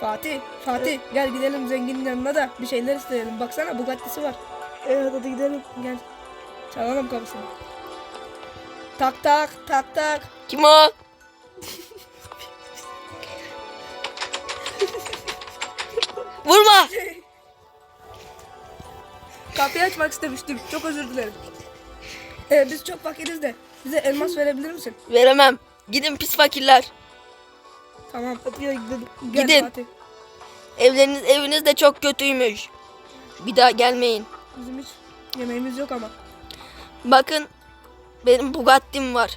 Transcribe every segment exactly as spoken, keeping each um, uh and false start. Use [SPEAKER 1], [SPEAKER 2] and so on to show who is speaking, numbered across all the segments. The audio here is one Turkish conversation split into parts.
[SPEAKER 1] Fatih, Fatih gel gidelim zenginin yanına da bir şeyler isteyelim. Baksana Bugatti'si var.
[SPEAKER 2] Evet hadi gidelim.
[SPEAKER 1] Gel. Çalalım kapısını. Tak tak tak tak.
[SPEAKER 3] Kim o? Vurma.
[SPEAKER 1] Kapıyı açmak istemiştim. Çok özür dilerim. Ee, biz çok fakiriz de bize elmas verebilir misin?
[SPEAKER 3] Veremem. Gidin pis fakirler.
[SPEAKER 1] Tamam.
[SPEAKER 2] Hadi gel gidelim.
[SPEAKER 1] Gel
[SPEAKER 3] Gidin.
[SPEAKER 1] Fatih.
[SPEAKER 3] Evleriniz eviniz de çok kötüymüş. Bir daha gelmeyin.
[SPEAKER 1] Bizim hiç yemeğimiz yok ama.
[SPEAKER 3] Bakın benim Bugatti'm var.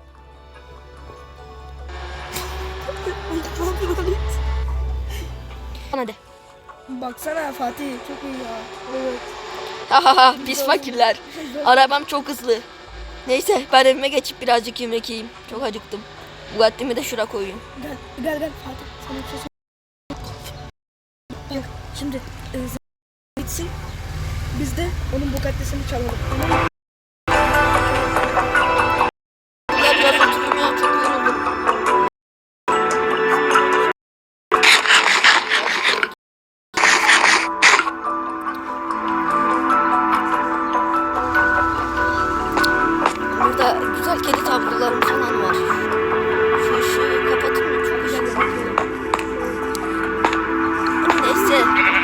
[SPEAKER 3] Hadi.
[SPEAKER 1] Baksana Fatih çok iyi ya.
[SPEAKER 2] Evet.
[SPEAKER 3] Hahaha pis fakirler. Arabam çok hızlı. Neyse ben evime geçip birazcık yemek yiyeyim. Çok acıktım. Bugatti'mi de şuraya koyayım.
[SPEAKER 1] Gel gel gel Fatih. Sana bir şey söyleyeyim. Bak şimdi e, z- bitsin. Biz de onun Bugatti'sini çalalım. Tamam mı?
[SPEAKER 3] Ya biraz oturayım ya, çok yoruldum. Burada güzel kedi tablolarım falan var. Şu ışığı kapatın mı? Çok
[SPEAKER 1] Gel
[SPEAKER 3] ışık.
[SPEAKER 1] gel.
[SPEAKER 3] Neyse.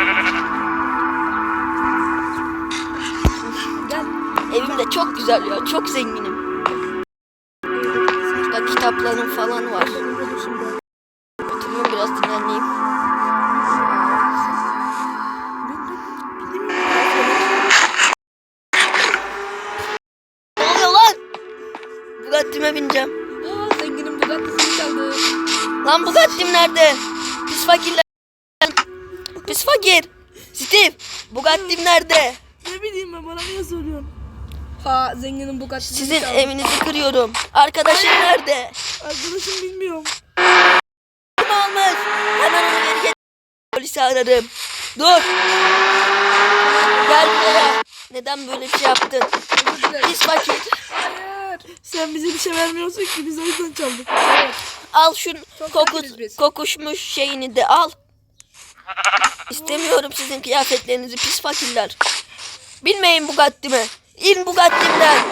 [SPEAKER 1] Gel.
[SPEAKER 3] Evim de çok güzel ya. Çok zenginim. Burada kitaplarım falan var.
[SPEAKER 1] Dur şimdi.
[SPEAKER 3] Oturayım biraz dinleneyim. Ne oluyor lan? Bugatti'me bineceğim.
[SPEAKER 1] Aa, zenginin Bugatti'sini çaldı.
[SPEAKER 3] Lan Bugatti'm nerede? Pis fakirler. Pis fakir. Steve. Bugatti'm nerede?
[SPEAKER 2] Ne bileyim ben, bana niye soruyorsun?
[SPEAKER 1] Ha zenginin Bugatti'sini
[SPEAKER 3] Sizin
[SPEAKER 1] çaldı.
[SPEAKER 3] evinizi kırıyorum. Arkadaşım nerede?
[SPEAKER 2] Arkadaşım bilmiyorum.
[SPEAKER 3] Kim almış? Hemen onu geri getir. Polisi ararım. Dur. Gel buraya. Neden böyle bir şey yaptın?
[SPEAKER 1] Özür dilerim.
[SPEAKER 3] Pis fakir.
[SPEAKER 1] Hayır.
[SPEAKER 2] Sen bize bir şey vermiyorsun ki, biz o yüzden çaldık.
[SPEAKER 1] Evet.
[SPEAKER 3] Al şu
[SPEAKER 1] Çok
[SPEAKER 3] kokus,
[SPEAKER 1] fakiriz biz.
[SPEAKER 3] kokuşmuş şeyini de al. İstemiyorum sizin kıyafetlerinizi pis fakirler. Bilmeyin Bugatti'mi. İn Bugatti'mden.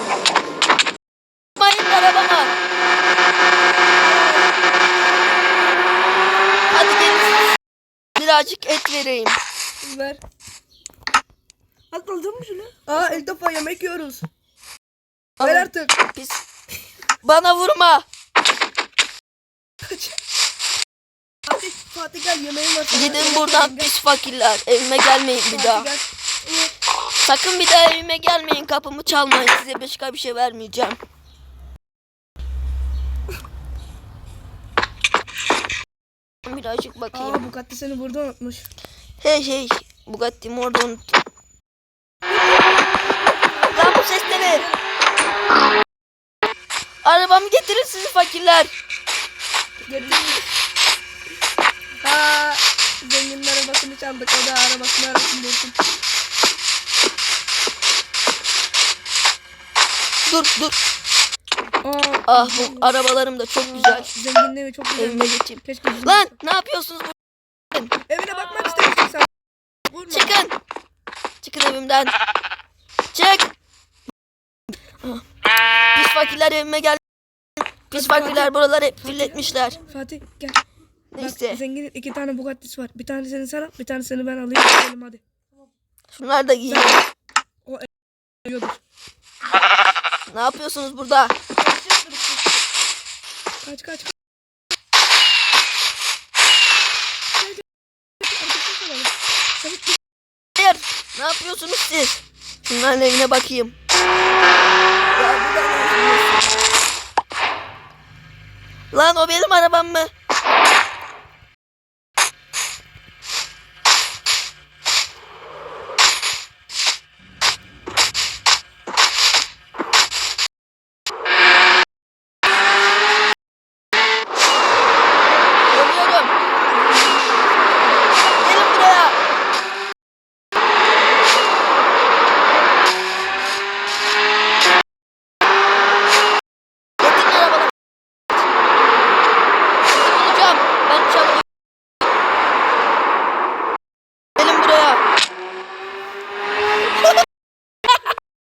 [SPEAKER 3] Mayın arabama. Hadi gelin. Birazcık et vereyim.
[SPEAKER 1] Ver.
[SPEAKER 2] Hadi alacağım mı şunu?
[SPEAKER 1] Aa ilk defa yemek yiyoruz. Ver
[SPEAKER 3] Alın.
[SPEAKER 1] artık.
[SPEAKER 3] Pis. Bana vurma.
[SPEAKER 1] Fatih, Fatih gel yemeğim var. sana.
[SPEAKER 3] Gidin
[SPEAKER 1] Yemek
[SPEAKER 3] buradan
[SPEAKER 1] yiyelim, gel.
[SPEAKER 3] pis fakirler. Evime gelmeyin bir
[SPEAKER 1] Fatih,
[SPEAKER 3] daha.
[SPEAKER 1] gel.
[SPEAKER 3] Sakın bir daha evime gelmeyin. Kapımı çalmayın. Size başka bir şey vermeyeceğim. Birazcık bakayım.
[SPEAKER 1] Aa Bugatti seni burada unutmuş.
[SPEAKER 3] Hey hey. Bugatti'mi orada unuttum. Lan bu ses ne? Arabamı getirin sizi fakirler.
[SPEAKER 1] Getirdik. Ha zenginin arabasını çaldık. O da arabasını arasın bulsun.
[SPEAKER 3] Dur dur.
[SPEAKER 1] Aa,
[SPEAKER 3] Ah bu arabalarım da çok güzel.
[SPEAKER 1] Zenginin evi çok güzel.
[SPEAKER 3] Evime geçeyim.
[SPEAKER 1] Keşke bizim
[SPEAKER 3] Lan
[SPEAKER 1] olsa.
[SPEAKER 3] ne yapıyorsunuz?
[SPEAKER 1] Evine bakmak istemişsin sen. Vurma.
[SPEAKER 3] Çıkın. Çıkın evimden. Çık. Pis fakirler evime gel. Pis fakirler buraları hep filletmişler.
[SPEAKER 1] Fatih gel.
[SPEAKER 3] Neyse.
[SPEAKER 1] Bak zenginin iki tane Bugatti'si var. Bir tanesini sana, bir tanesini ben alayım. Gidelim hadi.
[SPEAKER 3] Şunlar da giyin.
[SPEAKER 1] Yiyordur.
[SPEAKER 3] Ne yapıyorsunuz burada?
[SPEAKER 1] Kaç kaç.
[SPEAKER 3] Hayır. Ne yapıyorsunuz siz? Şunların evine bakayım. Ya bu da ne? Lan o benim arabam mı?